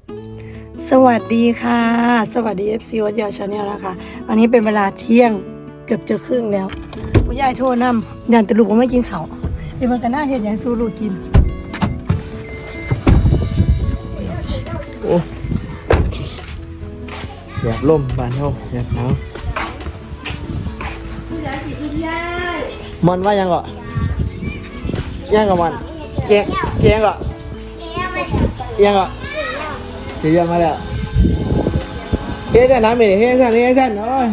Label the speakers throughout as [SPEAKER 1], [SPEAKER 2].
[SPEAKER 1] สวัสดีค่ะสวัสดี FC วัดยาวชาแนลนะคะวันนี้เป็นเวลาเที่ยงเกือบจะครึ่งแล้วคุณยายโทรนำยันตะลุกว่าไม่กินข้าวเดี๋ยวมันก็น่าเห็นอย่างสู้ลูกกิน
[SPEAKER 2] โอ้อยากล่มบานเท่าอยากหนาวมอนว่ายังก่ยังกับมันแกงก่อยังก่อเสียมาแล้วเฮ้ยจะน้ำไปดิเฮ้ยสั่นโอ้ย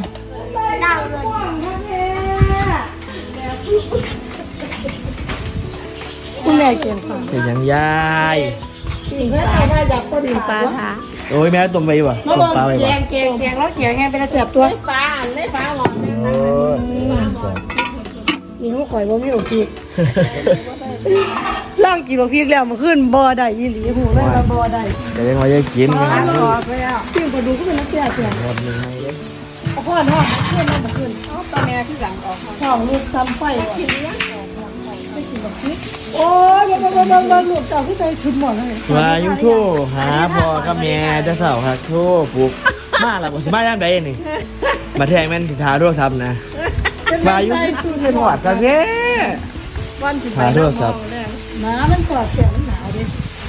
[SPEAKER 1] คุณแม่เกียนค่ะ
[SPEAKER 2] เป็นยังยาย
[SPEAKER 1] ปิ่งเพื่อนเอาได้จากต้นปลาค่ะ
[SPEAKER 2] โอ้ยแม่ต้มไปวะ
[SPEAKER 1] มา
[SPEAKER 2] ต้
[SPEAKER 1] บ
[SPEAKER 2] ม
[SPEAKER 1] อก
[SPEAKER 2] ปลาไป
[SPEAKER 1] แก
[SPEAKER 2] วะ
[SPEAKER 1] งแล้วเกี่ยวไงเป็นเสียบตัวปลาหมด
[SPEAKER 2] โอ้ยแซ่บ
[SPEAKER 1] นี่เขาข่อยบ่มีโอพีล่างกินโอพีแล้วมาขึ้นบ่ได้อีหลีหูเลยว่าบ่ได้
[SPEAKER 2] เดี๋ยวยังไงจะกินกันนะ
[SPEAKER 1] ปิ้งปลาดูก็เป็นนักเสียเสีย
[SPEAKER 2] หมดหนึ่งให้เลย
[SPEAKER 1] เอาพ่อเนาะขึ้นมาขึ้นเอาตาแม่ที่หลังออกท้องลูกทำไฟกินเลี้ยงไม่กินแบบนี้โอ้ยบางลูกเต่าที่ใจชุดหมดเลย
[SPEAKER 2] มายุ่งโทรหาพ่อกับแม่จะเสาครับโทรปลุกมาละผมสิมาย่านใดนี่มาแทงแม่นสิทาโทรศัพท์นะมายุ่งเป็นหวัดกันแน่
[SPEAKER 1] วันสิ
[SPEAKER 2] หาโทรศัพท์
[SPEAKER 1] หนามันกอดแขนมันหนาวดิ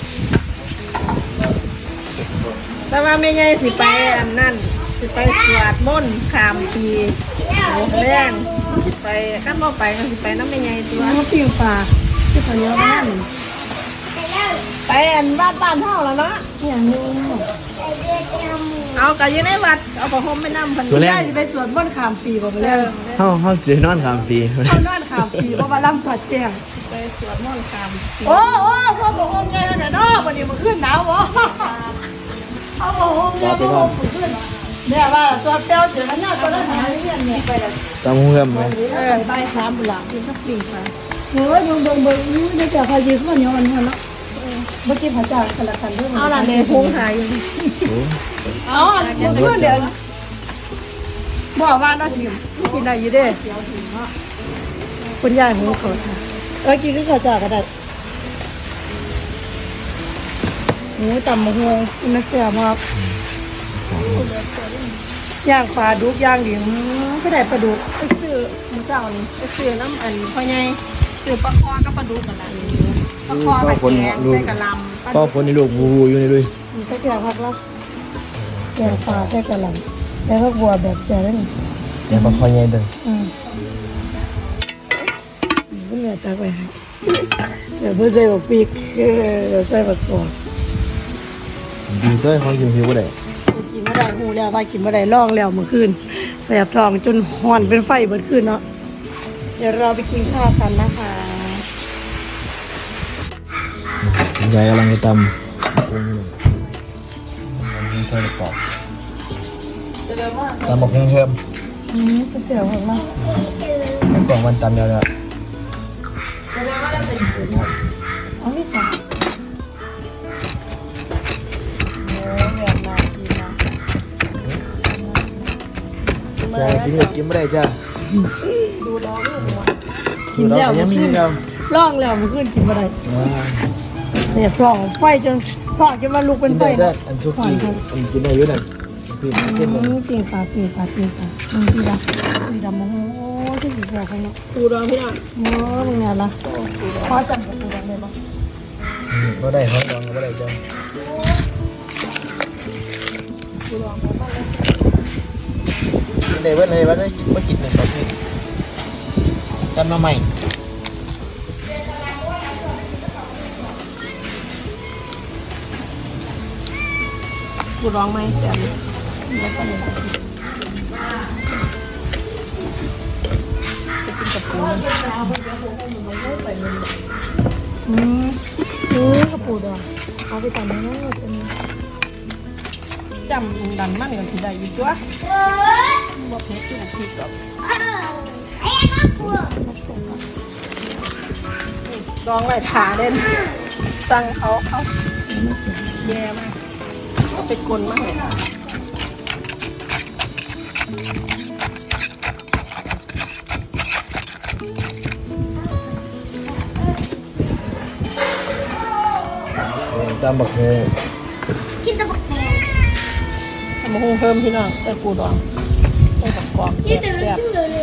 [SPEAKER 3] แต่ว่าไม่ใช่สิไปอันนั่นสิไปสวดมนต์ขามปีโอ้แรงสิไปข้ามไปก็สิไปน้ำไม่ใหญ่ตัว
[SPEAKER 1] มันปิ้งปลาที่เขาเลี้ยงบ้าน
[SPEAKER 3] ไปอันบ้านเท่าแล้วเนาะ
[SPEAKER 1] อย่างนี้
[SPEAKER 3] เอากะอยู่ในวัดเอาผ้าห่มไปนั่งพัน
[SPEAKER 2] ตัวแร
[SPEAKER 1] ได้
[SPEAKER 2] ก
[SPEAKER 1] จะไปสวนบ้านขามปีบ่ไปแล้ว
[SPEAKER 2] เขาจะนอนข้ามปี
[SPEAKER 1] เขานอนขามปีเพราะว่าล่ำสอดแจ้ง
[SPEAKER 3] ไปสวดมนต์ขามปี
[SPEAKER 1] โอ้พ่อบอกโฮมไงนะเนาะวันนี้มันขึ้นหนาววะเอาบอกโฮมเนี่ยบอกโฮมขึ้นเนี่ยว่าตัวเต้าเสียมันน่าตัวนั้นหายเนี่ยเนี่ยไปแล้ว
[SPEAKER 2] จำเพื่อนไหม
[SPEAKER 1] ใบสามบุหลาเป็นสักปีค่ะโอ้ยเบิ่งนี่จะพายืมข้าวเหนียวอันนี้เนาะเมื่อกี้พระเจ้าสลับกันด้วย
[SPEAKER 3] เอาล่ะเลยพุงหายอยู่
[SPEAKER 1] เอาเดี๋ยวบอกว่าน้องทิมกินได้อยู่เด้คุณยายหูเขาค่ะกินก็ข้าวเจ้าก็ได้หมูตำมะฮวงกินมาเสียมากย่างปลาดุกย่างดิมก็ได้ปลาดุก
[SPEAKER 3] ไปซื้อมือเสาร์นี่ไปซื้อน้ำอันพ่อใหญ่ซื้อปลาคอกับปลาดุกกันละปลาคอกับแกงใส่กะลำ
[SPEAKER 2] พ่อคนในลูกบูอยู่ในด้วย
[SPEAKER 1] มีก็แกงผักละแกงปลาแค่กะหล่ำแล้วก็บัวแบบเสียแล้วนี่
[SPEAKER 2] เดี๋ยวมาคอยเย็นเด้อ
[SPEAKER 1] ก็เหลือตาไปให้เดี๋ยวเพื่อใส่บักปีกใส่บักกอก
[SPEAKER 2] ดีซ้อยของกินผิวก็ได้
[SPEAKER 1] กินไม่ได้หูแล้วว่ากินไม่ได้ล่องแล้วเมื่อคืนแสบท้องจนห่อนเป็นไฟเมื่อคืนเนาะเดี๋ยวเราไปกินข้าวกันนะคะ
[SPEAKER 2] ยายกำลังจะตำใส่กรอบตำบอกเพิ่ม
[SPEAKER 1] ก็เสียวมาก
[SPEAKER 2] ให้กล่องมันตำเดียวเลย
[SPEAKER 1] อ๋อนี่ค่ะโอ้ยแบบน่ากินนะ
[SPEAKER 2] ยายกินเลยกินไม่ได้จ้า
[SPEAKER 1] กินแล้ว
[SPEAKER 2] ยังมีเรา
[SPEAKER 1] ล่องแล้วเมื่อคืนกินไม่ได้เสียบท้องไฟจนท้องจนมาลุกเป็นไฟ
[SPEAKER 2] ได้อันชุกี้อันกินได้เยอะหน่อยคือเช่น
[SPEAKER 1] ปิ่งปลาปิ่งดีละโอ้ที่สุดแล้วเขาเนาะ
[SPEAKER 3] ปูดองพี่น้อง
[SPEAKER 1] โอ้เป็นไงล่ะขอจับกับปูดองได้ปะ
[SPEAKER 2] ก็ได้เขาลองก็ได้จ้าเดี๋ยวเลยว่าได้มากินหนึ่งต่อที่กันมาใหม่
[SPEAKER 3] ปูดองไหมแต่
[SPEAKER 1] กับปูดองเอาไปทำให้น้องเป็น
[SPEAKER 3] จำดันมันกันสิได้อยู่ตัวบ่เผ็ดอยู่พริกกับดองไว้ถาเด่นสั่งเขาแย่มากเขาไปกลนมากเลย
[SPEAKER 2] ตามบักเฮ
[SPEAKER 4] กินแต่บัก
[SPEAKER 3] มาหุงเพิ่มพี่น้องใส่ปูดองใส่กับกรอบแซ่บ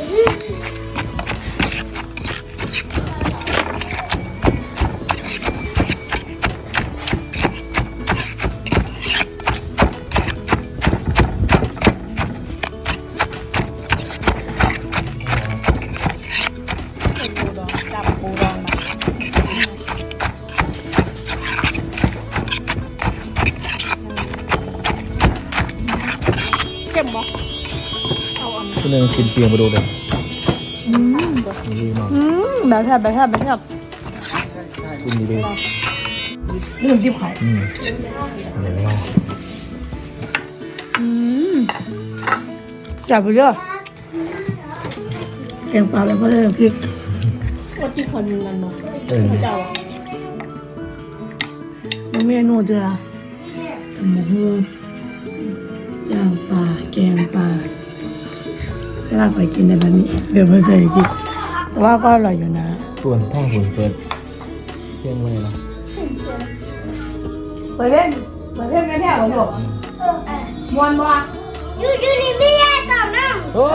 [SPEAKER 3] ปูดองจับปูดองมาเข้มบ่เอาอันนี้
[SPEAKER 2] คนหนึ่งกินเปียงมาดูเลย ดีมาก
[SPEAKER 1] แบบแทบแบบแทบแบบแทบ
[SPEAKER 2] กินดีเลย
[SPEAKER 1] ลืมจิ้มไข่
[SPEAKER 2] เดี๋ยวลอง
[SPEAKER 1] จับไปเยอะแกงปลาแล้วก็ได้พริก
[SPEAKER 3] ว่าที่คนนั้นเนาะ เจ้าอะ
[SPEAKER 1] แล้วเมนูจะหมูฮูย่างปลาแกงปลาจะน่าไปกินในแบบนี้เดี๋ยวเพื่อนเคยกินแต่ว่าก็อร่อยอยู่นะ
[SPEAKER 2] ส่วนท่องหุ่นเปิดเที่ยงไม่ละ
[SPEAKER 1] ไปเล่นไม่แท้หรอลูกมวนบ่
[SPEAKER 4] อยู่นี่ไม่ได้ต่อน้ำ
[SPEAKER 2] โอ้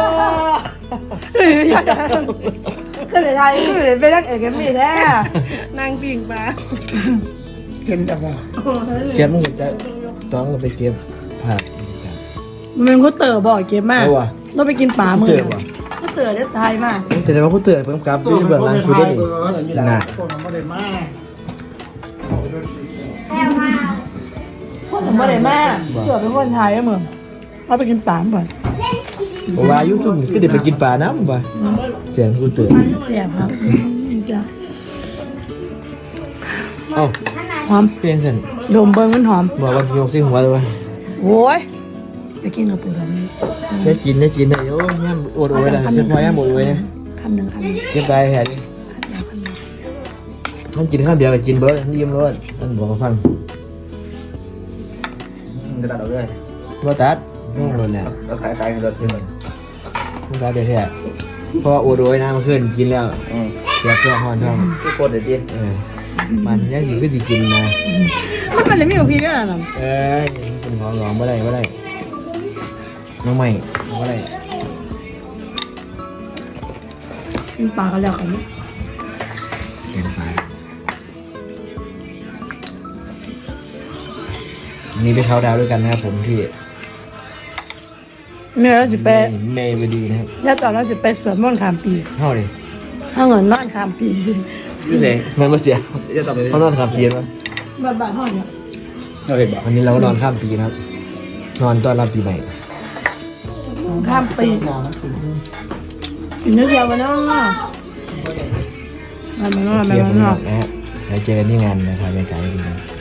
[SPEAKER 1] ก็เลยไทยก็เลยไปรักเอกกันไม่แท้
[SPEAKER 3] นั่งปิ่งปลา
[SPEAKER 1] เห็นแต่ว่า
[SPEAKER 2] เก็บมึงเห็นจะต้องไปเก็บผัก
[SPEAKER 1] มันเป็นข้าวเต๋อบ่อยเก็บมาก
[SPEAKER 2] เอาวะ
[SPEAKER 1] ต้องไปกินปลามือ
[SPEAKER 2] เต๋อว่ะ
[SPEAKER 1] ข้าวเต๋อได้ไทยมาก
[SPEAKER 2] จะได้ว่าผู้เตือนเพิ่มกลับที่เบื้องหลังคือได้ดีน่ะ
[SPEAKER 4] แต่ว่า
[SPEAKER 1] คนถึงบ่ได้มากเต๋อเป็นคนไทยอะมึงเราไปกินปลาก่อน
[SPEAKER 2] เพราะว่ายุจุ่มก็เดี๋ยวไปกินปลาน้ำป่ะเสียงผู้เตือน
[SPEAKER 1] เสียบครับจ้ะ
[SPEAKER 2] เอ้า
[SPEAKER 1] หอม
[SPEAKER 2] เพียงเส้น
[SPEAKER 1] ดมเบิ้งมันหอม
[SPEAKER 2] บอกวันที่ยกซิหัวเลยวะ
[SPEAKER 1] โอ้ยจะกินกับปูดำนี่
[SPEAKER 2] ได้กินเลยโอ้ยย่ำอดโอยเลยเก็บพอย่ำอดโอยเนี่ย
[SPEAKER 1] คำหนึ่ง
[SPEAKER 2] เก็บได้แค่นี้มันกินข้าวเดียวกับกินเบิร์ดนี่ยิ้มรสมันบอกมาฟัง
[SPEAKER 5] จะตัดออกด้วย
[SPEAKER 2] ว่าตัดต้องรสแล้ว
[SPEAKER 5] ก็สายตายกันรถที่มัน
[SPEAKER 2] ต้องตัดเดี๋ยวแท้เพราะว่าอดโอยนะมันขึ้นกินแล้วเสียเครื่องหอนท้อง
[SPEAKER 5] ทุกคนเดี๋ยวดิ
[SPEAKER 2] มันยังอยู่ก็จะกินนะ
[SPEAKER 1] มันเป็นอะไรไม่กับพี่ด้วยนะ
[SPEAKER 2] เป็นของหลอมไม่ได้น้องใหม่ไม่ได้
[SPEAKER 1] กินปลากันแล้วกัน
[SPEAKER 2] แข็งไปนี่ไปเขาดาวด้วยกันนะครับผมที่
[SPEAKER 1] เมื่อเราจะไป
[SPEAKER 2] เมย์ไปดีนะครับ
[SPEAKER 1] แล้วตอนเราจะไปสวนม่อนขามปี
[SPEAKER 2] เท่าเลย
[SPEAKER 1] ถ้าเงินนอนขามปี
[SPEAKER 5] ยูเซ่
[SPEAKER 2] มันมาเสีย
[SPEAKER 5] จะต่อไป
[SPEAKER 2] เขานอนข้ามปีมั้ย
[SPEAKER 1] บ้านห้องเนี่ย
[SPEAKER 5] เราเห็นบอก
[SPEAKER 2] วันนี้เราก็นอนข้ามปีนะครับ นอนต้อนรับปีใหม่
[SPEAKER 1] ข้ามปีกินเนื้อเดียวกันเนาะมาเนาะ
[SPEAKER 2] เที่ยวกันนะฮะแล้วเจอกันที่งานนะครับบรรยากาศเป็นไง